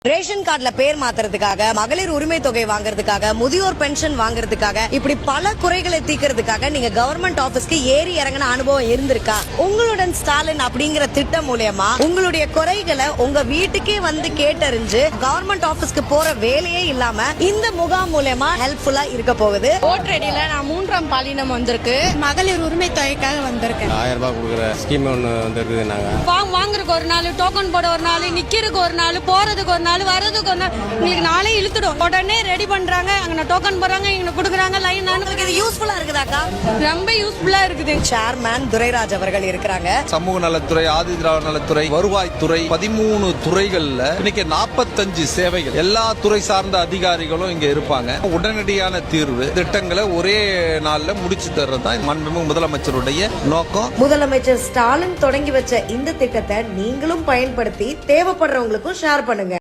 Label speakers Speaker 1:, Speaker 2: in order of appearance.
Speaker 1: Ration கார்டுல பேர் மாத்துறதுக்காக, மகளிர் உரிமை தொகை வாங்குறதுக்காக, முதியோர் பென்ஷன் வாங்குறதுக்காக, இப்படி பல குறைகளை தீர்க்கிறதுக்காக நீங்க கவர்மெண்ட் ஆபீஸ்க்கு ஏறி இறங்கின அனுபவம் இருந்திருக்கா? உங்களுடன் ஸ்டாலின் அப்படிங்கிற திட்டம் மூலமா உங்களுடைய குறைகளை உங்க வீட்டுக்கே வந்து கேட்டறிஞ்சு கவர்மெண்ட் ஆபீஸ்க்கு போற வேலையே இல்லாம இந்த முகாம் மூலமா ஹெல்ப்ஃபுல்லா இருக்க போகுது.
Speaker 2: ஓட்டடியில நான் 3ஆம் பாலினம் வந்திருக்கு, மகளிர் உரிமை தொகைக்காக வந்திருக்கேன்.
Speaker 3: 1000 ரூபாய் கொடுக்குற ஸ்கீம் ஒன்று வந்துருக்குது. நாங்க
Speaker 2: வாங்குறதுக்கு ஒரு நாள், டோக்கன் போட ஒரு நாள், நிக்கிறதுக்கு ஒரு நாள், போறதுக்கு ஒரு நாள், வரதுக்கு ஒரு நாள், உங்களுக்கு நாளே இழுத்துடும். உடனே ரெடி பண்றாங்க, அங்க டோக்கன் போடுறாங்க, இங்க கொடுக்குறாங்க லைன்.
Speaker 1: இது யூஸ்ஃபுல்லா இருக்குதாக்கா?
Speaker 2: ரொம்ப யூஸ்ஃபுல்லா இருக்குது.
Speaker 1: சேர்மேன் துரைராஜ் அவர்கள் இருக்கிறாங்க.
Speaker 4: சமூக நலத்துறை, ஆதி திராவிட நலத்துறை, வருவாய்த்துறை, 13 துறைகள்ல இன்னைக்கு 45 சேவைகள், எல்லா துறை சார்ந்த அதிகாரிகளும் இங்க இருப்பாங்க. உடனடியான தீர்வு திட்டங்களை ஒரே நாள்ல முடிச்சு தர்றதுதான் மாண்புமிகு முதலமைச்சருடைய நோக்கம்.
Speaker 1: முதலமைச்சர் ஸ்டாலின் தொடங்கி வச்ச இந்த திட்டத்தை நீங்களும் பயன்படுத்தி தேவைப்படுறவங்களுக்கும் ஷேர் பண்ணுங்க.